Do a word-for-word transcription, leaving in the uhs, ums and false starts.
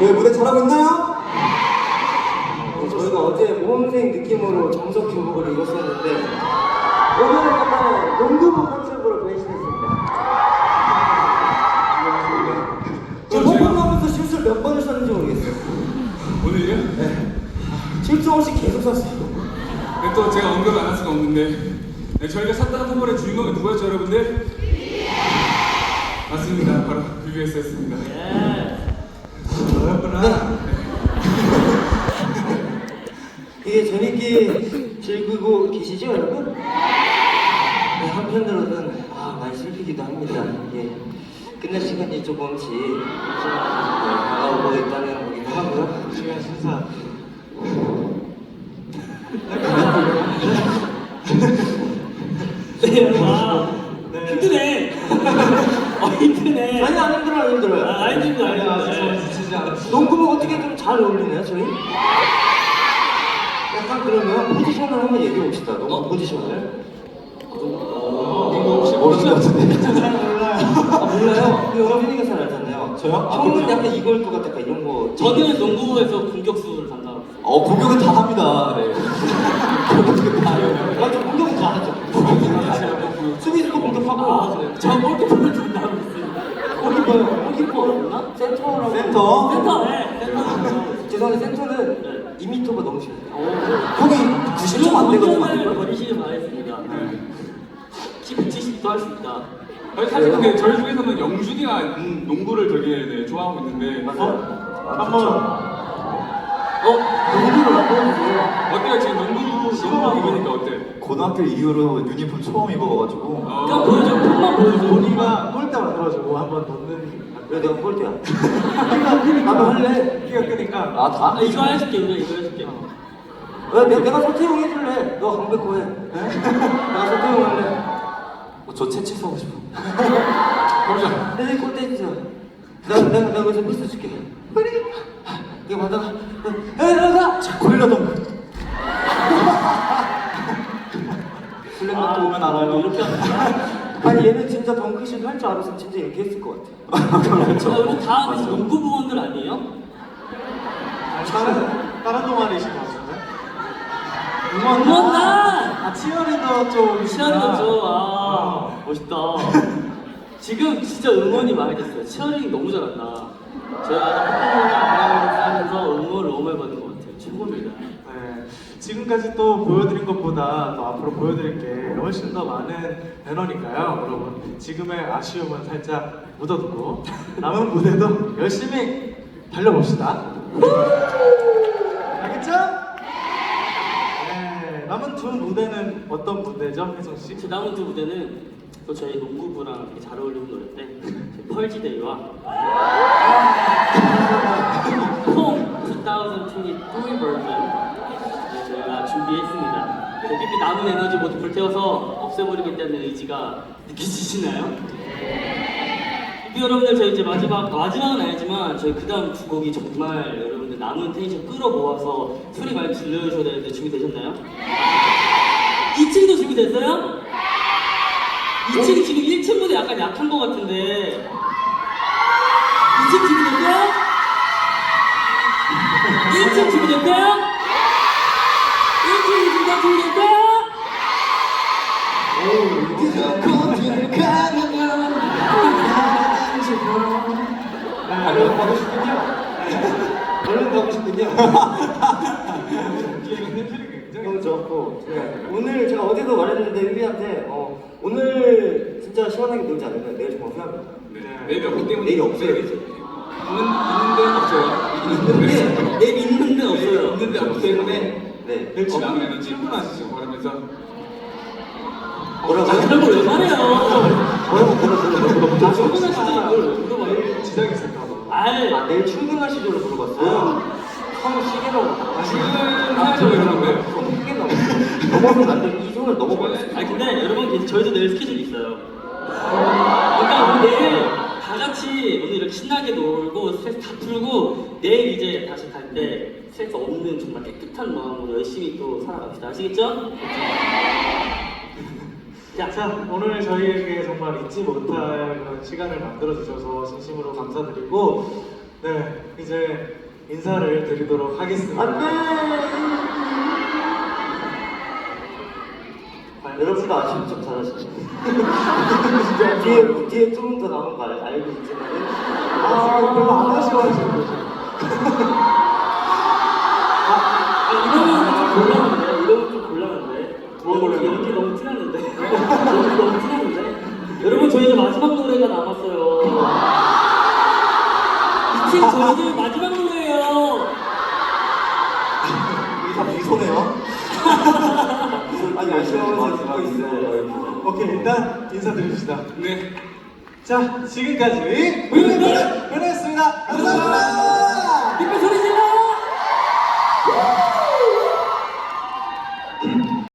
왜 무대 잘하고 있나요? 어, 저희가 어제 모험생 느낌으로 정석 교복을 입었었는데 오늘은 약간 농구부 컨셉으로 변신했습니다. 저 퍼포먼스 실수를 몇 번을 썼는지 모르겠어요. 오늘요? 네. 실수 없이 계속 썼어요. 네, 또 제가 언급을 안 할 수가 없는데 네, 저희가 샀다는 선물의 주인공이 누구였죠 여러분들? 맞습니다. 바로 비비에스였습니다. 그렇구나. 이게 재밌게 즐기고 계시죠 여러분? 네, 한편으로는 아, 많이 슬피기도 합니다. 이게 끝날 시간이 조금씩 다가오고 있다는 거기도 하고요. 시간 심사. 네, 와, 힘드네. 어, 힘드네. 아니 안 힘들어요, 안 힘들어요. 아, 안 힘들어, 안 힘들어. 아니, 지치지 않았어요. 농구복 어떻게 좀 잘 어울리나요, 저희? 약간 그러면 포지션을 한번 얘기해 봅시다. 농구 포지션을. 이거 혹시 모르는 것 같은데? 잘 몰라요. 아 몰라요? 그 영빈이가 잘 알잖아요. 저요? 아, 형은 그럼요. 약간 이걸 것 같아, 이런 거. 저는 농구부에서 공격수를 담당하고 있어요. 어, 공격은 다 합니다. 네. 공격은 다 해요. 맞아, 공격은 잘하죠. 수비수도 공격하고. 아, 그래요? 저 골키퍼를 담당하고 있습니다. 골키퍼요. 골키퍼나 센터라고. 센터. 센터, 네, 센터. 죄송한데 센터는 이 미터가 넘으셔야 돼요. 형이 구십 점 안 되거든. 공격을 버리시길 바라겠습니다. 키 백칠십도 할 수 있다. 아니, 사실 근데 저희 중에서는 영준이가 음, 농구를 되게 네, 좋아하고 있는데 맞아요? 한번 어? 농구를 안 보여주세요. 어때요? 지금 농구 농구 입으니까 어때? 고등학교 이후로 유니폼 처음 입어가지고. 그냥 보여줘, 폼만 보여줘. 우리가 골대 만들어주고 한번 넣는 왜 내가 꼴대야? 나도 할래. 키가 크니까 아, 다? 아, 이거 해줄게, 이거, 이거 해줄게. 왜 내가, 내가 서태용 해줄래? 너 강백호 해. 내가 서태용 할래. 어, 저 채채 서고 싶어. 잠시만. 내 꼴대 해주세요. 내가 내가 내가 여기서 미스 줄게. 이거 받아가. 에 나가. 자, 골라던 슬램덩크 오면 아, 알아요. 이렇게 하는 아니 얘는 진짜 덩크슛 할 줄 알았으면 진짜 이렇게 했을 것 같아. 그렇죠. 아, 우리 다 농구 부원들 아니에요? 다른 다른 동아리이신 것 같은데? 응원단! 아 치어리더 쪽 치어리더 죠 아, 멋있다. 지금 진짜 응원이 많이 됐어요. 치어리딩 너무 잘한다. 제가 퍼포먼스 하면서 응원을 너무 많이 받는 것 같아요. 최고입니다. 네, 지금까지 또 보여드린 것보다 또 앞으로 보여드릴 게 훨씬 더 많은 배너니까요 여러분 지금의 아쉬움은 살짝 묻어두고 남은 무대도 열심히 달려봅시다. 알겠죠? 네, 남은 두 무대는 어떤 무대죠, 혜성씨? 제 남은 두 무대는 또 저희 농구부랑 되게 잘 어울리는 노래인데 펄지데이와 홈 이천이십삼 버전 저희가 준비했습니다. 어차피 남은 에너지 모두 불태워서 없애버리겠다는 의지가 느껴지시나요? 네. 여러분들 저희 이제 마지막 마지막은 아니지만 저희 그 다음 두 곡이 정말 여러분들 남은 텐션 끌어모아서 소리 많이 들려주셔야 되는데 준비되셨나요? 이 층도 준비됐어요? 이 층 지금 일 층보다 약간 약한 것 같은데 이 층 준비됐어요? 일 층 준비됐어요? 일 층 준비됐어요? 준비됐어요? 얼른 가고 싶군요. 얼른 가고 싶군요. 너무 좋았고 네. 오늘 제가 어제도 말했는데 유비한테 어, 오늘 진짜 시원하게 놀지 않으면 내일 정말 후회합니다. 네. 내일 없기 때문에 내일 없어요. 있는 있는 데는 없어요. 있는데 내일 있는데 없어요. 있는데 없기 때문에 네. 내일 남은 에너지 충분하시죠 바라면서 뭐라고요? 그런 걸왜 말해요? 뭐라고 뭐라고 아, 충분하시죠 이걸 왜 물어봐요? 내일 지장이 있을까봐. 알. 아 내일 출근하시죠를 물어봤어요. 성 시계라고. 지금 해야죠 여러분들. 성 시계라고. 넘어서면 안 돼. 이 손을 넘어버렸어요. 아니 근데 여러분 저희도 내일 스케줄이 있어요. 그러니까 우리 내일 다 같이 오늘 이렇게 신나게 놀고 스트레스 다 풀고 내일 이제 다시 갈 때 스트레스 없는 정말 깨끗한 마음으로 열심히 또 살아갑시다. 아시겠죠? 자, 자, 오늘 저희에게 정말 잊지 못할 그런 시간을 만들어 주셔서 진심으로 감사드리고 네, 이제 인사를 드리도록 하겠습니다. 여러분도 아쉬운 척 잘하시죠. 뒤에 뒤에 조금 더 남은 거 알- 알고 있지만 아, 별로 안 아쉬워하시는 거죠? 아, 이러면 좀 곤란한데? 이러면 좀 곤란한데? 뭐가 곤란해? 연기 너무 티났는데? 연기 너무 티났는데? 여러분, 저희 이제 마지막 노래가 남았어요. 이제 저희 이제 마지막 노래예요. 이게 다 미소네요. 아니 아쉬워서 듣고 있어요. 오케이, 일단 인사드립시다. 네. 자, 지금까지 우리는